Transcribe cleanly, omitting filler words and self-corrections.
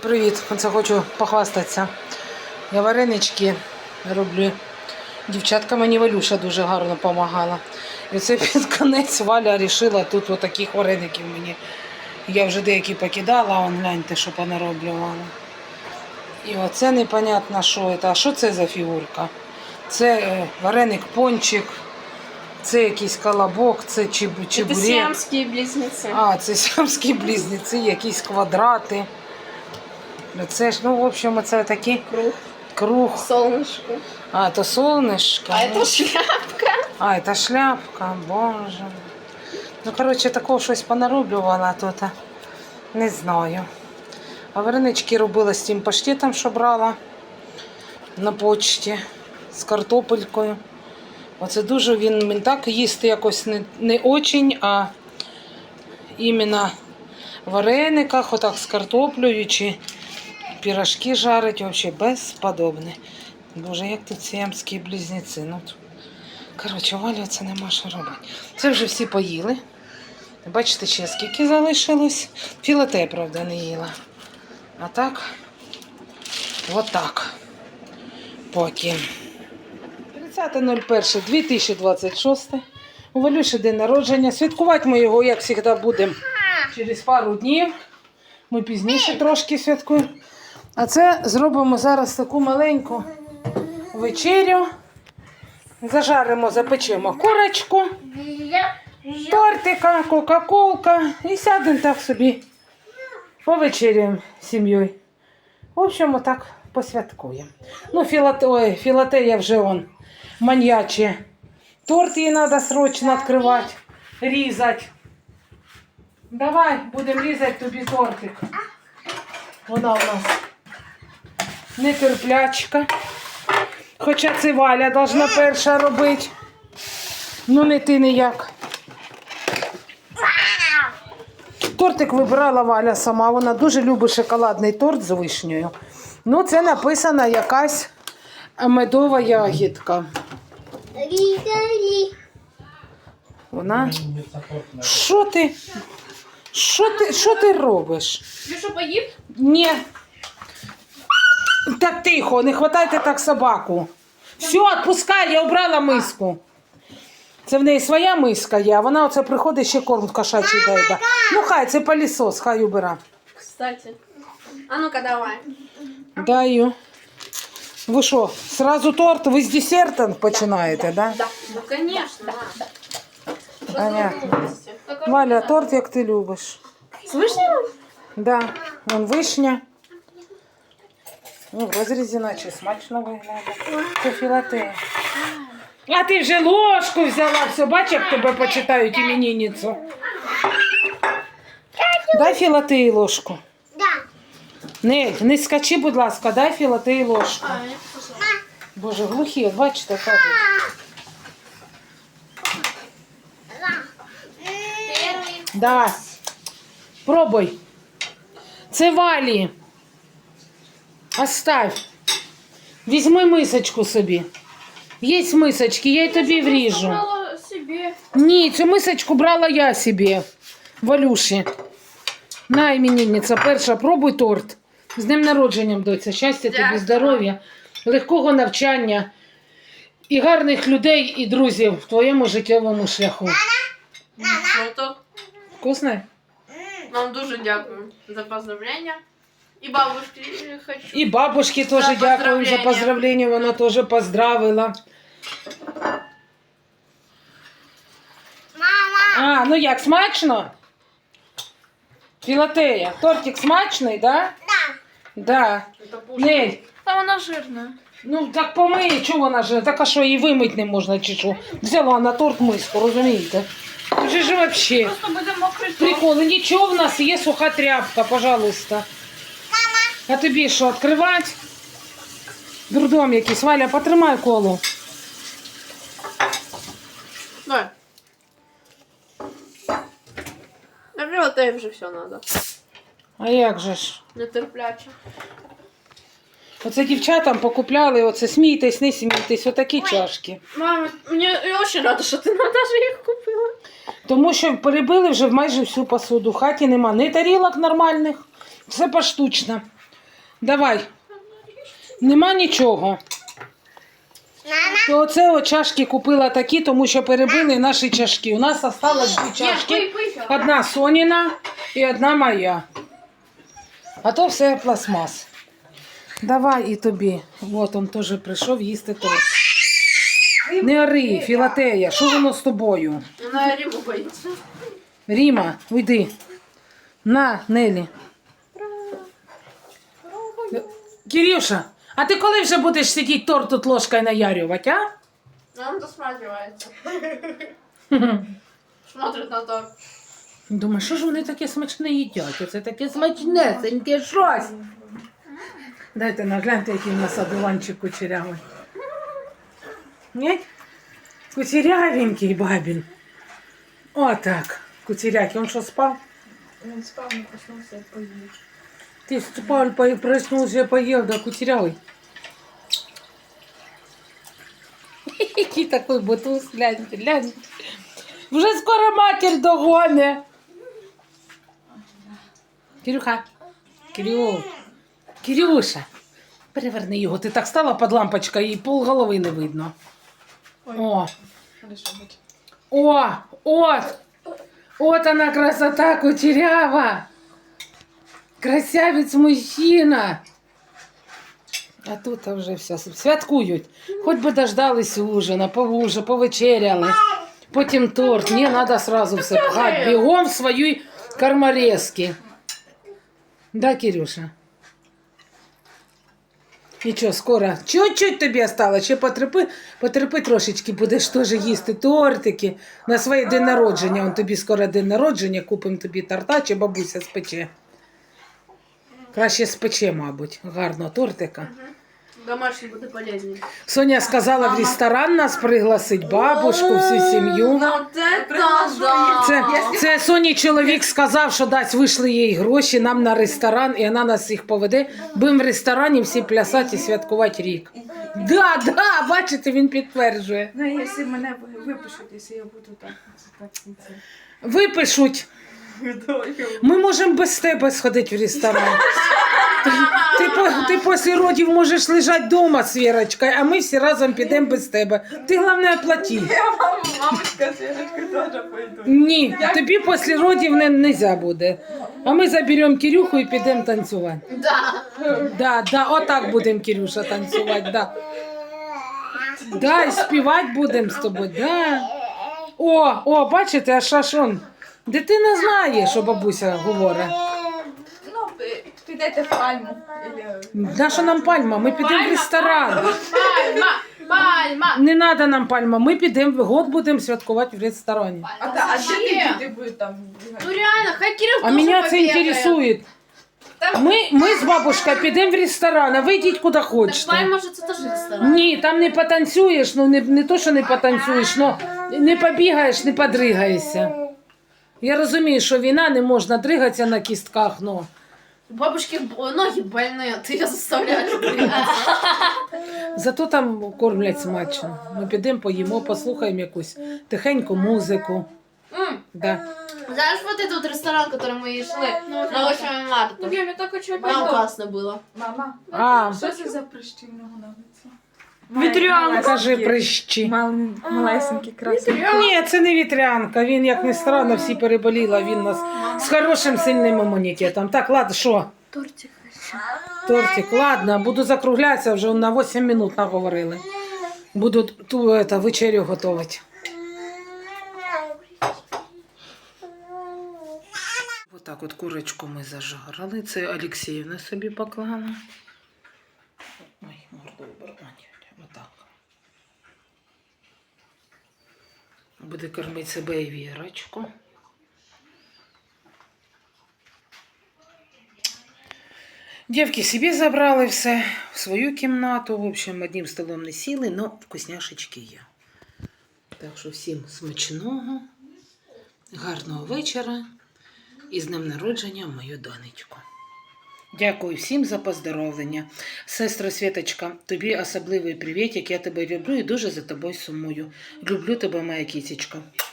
Привіт! Оце хочу похвастатися. Я варенички роблю. Дівчатка мені Валюша дуже гарно допомагала. І це під конець Валя вирішила тут отаких вареників мені. Я вже деякі покидала, а гляньте, що понароблювала. І оце непонятно, що це. А що це за фігурка? Це вареник-пончик, це якийсь колобок, це чебурек. Це сіамські близнеці. А, це сіамські близнеці, якісь квадрати. Це ж, ну, в общем, це такий круг. Солнышко. А, это солнышко. А это шляпка. А, это шляпка, боже. Ну, коротше, такого щось понароблювала тут. Не знаю. А варенички робила з тим паштетом, що брала на почті, з картопелькою. Оце дуже він так їсти якось не очень, а іменно в варениках, отак з картоплею, чи пирожки жарить, взагалі безподобне. Боже, як тут сіамські близнеці. Ну, коротше, Валя, це нема що робити. Це вже всі поїли. Бачите, ще скільки залишилось. Філате, правда, не їла. А так, отак. Поки. 30.01.2026. У Валюші день народження. Святкувати ми його, як завжди, будемо через пару днів. Ми пізніше трошки святкуємо. А це зробимо зараз таку маленьку вечерю. Зажаримо, запечемо курочку, тортика, кока-колка і сядемо так собі повечеряємо з сім'єю. В общем, отак посвяткуємо. Ну, філате я вже маньяче. Торт їй треба срочно відкривати, різати. Давай, будемо різати тобі тортик. Вона у нас нетерплячка. Хоча це Валя должна перша робити. Ну не ти ніяк. Тортик вибирала Валя сама. Вона дуже любить шоколадний торт з вишнею. Ну це написана якась медова ягідка. Вона... Що ти робиш? Ти що, поїв? Ні. Так тихо, не хватайте так собаку. Все, відпускай, я обрала миску. Це в неї своя миска є, а вона оце приходить, ще корм кошачий дає. Ну хай, це пилісос, хай убира. Кстати. А ну-ка, давай. Даю. Ви що, сразу торт? Ви з десертом починаєте, да? Да, ну конечно. Понятно. Валя, торт як ти любиш. З вишнею? Да, вон вишня. Ну, в розрізі наче смачно виглядає. Це філате. А ти вже ложку взяла, все, бач, як тебе почитають іменинницю. Дай філате і ложку. Нель, не скачи, будь ласка, дай філате і ложку. Боже, глухі, от бачите, кажуть. Давай, пробуй. Це Валі. Оставь. Візьми мисочку собі. Є мисочки, я й тобі вріжу. Брала собі. Ні, цю мисочку брала я собі. Валюші. На, іменинниця, перша, пробуй торт. З днем народженням, доця. Щастя тобі, здоров'я, легкого навчання і гарних людей і друзів в твоєму життєвому шляху. Круто. Вкусно? Вам дуже дякую за поздравлення. І бабушки хочу. І бабушки теж За дякую за поздравлення, вона теж поздравила. А, ну як, смачно? Філатея, тортик смачний, да? Да. Нель, Та вона жирна. ну так помий, чого вона ж, так а що, її вимити не можна чи що? Взяла на торт миску, розумієте? Вже ж вообще. Просто буде мокрий торт. Приколи, нічого в нас є суха тряпка, пожалуйста. А тобі що, відкривати? Дурдом якийсь. Валя, потримай коло. Давай. Наприклад, тобі вже все треба. А як же ж? Нетерпляче. Оце дівчатам покупляли, оце смійтесь, не смійтесь, отакі чашки. Мама, я дуже рада, що ти навіть їх купила. Тому що перебили вже майже всю посуду. В хаті нема ні тарілок нормальних, все поштучно. Давай. Нема нічого. То оце от чашки купила такі, тому що перебили наші чашки. У нас осталось 2 чашки. Одна Соніна і одна моя. А то все пластмас. Давай і тобі. От він теж прийшов їсти торт. Не ори, Філатея, що воно з тобою? Вона Риму боїться. Ріма, уйди. На, Нелі. Кирюша, а ти коли вже будеш сидіти торт тут ложкою наярювати, а? Он досматривается. Смотрит на торт. Думаю, що ж вони таке смачне їдять? Оце таке смачнесеньке щось. Дайте нагляньте, який в нас одуванчик кучерявий. Ні? Кучерявенький бабін. Отак. Кучерякий. Он що, спав? Он спал, не проснулся и поел. Ты спал, проснулся, поел, да кучерявый. Який такой бутуз, гляньте, гляньте. Вже скоро матір догоне. Кирюха, Кирюша, переверни його. Ти так стала під лампочкою і полголови не видно. О, Хорошо, будь. от она красота кучерява. Красавець мужчина. А тут вже все святкують. Хоч би дождались ужина, повечеряли. Потім торт. Ні, треба сразу все пхати. Бігом в свої корморезки. Да, Кирюша? Нічого, скоро. Чуть-чуть тобі осталось. Ще потерпи трошечки, будеш теж їсти тортики. На своє день народження. Он тобі скоро день народження, купимо тобі торта, чи бабуся спече. Краще спече, мабуть, гарно тортика. Домашний буде полезнее. Соня сказала в ресторан нас пригласить, бабушку, всю сім'ю. Вот это да! Це Соні чоловік сказав, що дасть вийшли їй гроші нам на ресторан, і вона нас їх поведе. Будемо в ресторані всі плясати і святкувати рік. Да, бачите, він підтверджує. Ну, если мене випишуть, если я буду так. Випишуть. Ми можемо без тебе сходити в ресторан. Ти після родів можеш лежати вдома з Вірочкою, а ми всі разом підемо без тебе. Ти, головне, оплати. Я мамочка з Вірочкою теж пойду. Ні, тобі після родів не можна буде. А ми заберемо Кирюху і підемо танцювати. Да, отак будемо, Кирюша, танцювати, да. Да, і співати будемо з тобою, да. О, бачите, а шашон. Дитина знає, що бабуся говорить. Ну, підете в пальму. Наша нам пальма? Ми підемо в ресторан. Пальма! Не треба нам пальма, ми підемо, год будемо святкувати в ресторані. А де ти будеш там? Ну реально, хай Кирилл А тоже мене це побегает. інтересує. Ми з бабушкою підемо в ресторан, а ви йдіть куди Так хочете. Пальма же это тоже ресторан. Ні, там не потанцюєш, ну не то, що не потанцюєш, но не побігаєш, не подригаєшся. Я розумію, що війна, не можна дригатися на кістках, но... У бабушки ноги больные, ты ее заставляешь двигаться. Зато там кормлять смачно. Ми підемо, поїмо, послухаємо якусь тихеньку музику. Да. Знаешь, вот этот ресторан, в который мы шли на 8 марта? Я так хочу Там классно было. Мама, А, що це за прищі в нього на лиці? вітрянка. Кажи прищі. Малесенькі, красиві. Ні, це не вітрянка. Він, як не странно, всі переболіли, а він у нас з хорошим сильним імунітетом. Так, ладно, що? Тортик. Тортик, ладно, буду закруглятися, вже на 8 минут наговорили. Буду ту вечерю готувати. Отак от курочку ми зажарили. Це Олексіївна собі поклала. Ой, морду оборвання. Отак. Буде кормити себе і Вірочку. Дівки собі забрали все в свою кімнату. В общем, одним столом не сіли, але вкусняшечки є. Так що всім смачного, гарного вечора і з днем народження мою донечку. Дякую всім за поздоровлення. Сестра Світочка, тобі особливий привіт, як я тебе люблю і дуже за тобою сумую. Люблю тебе, моя кітечка.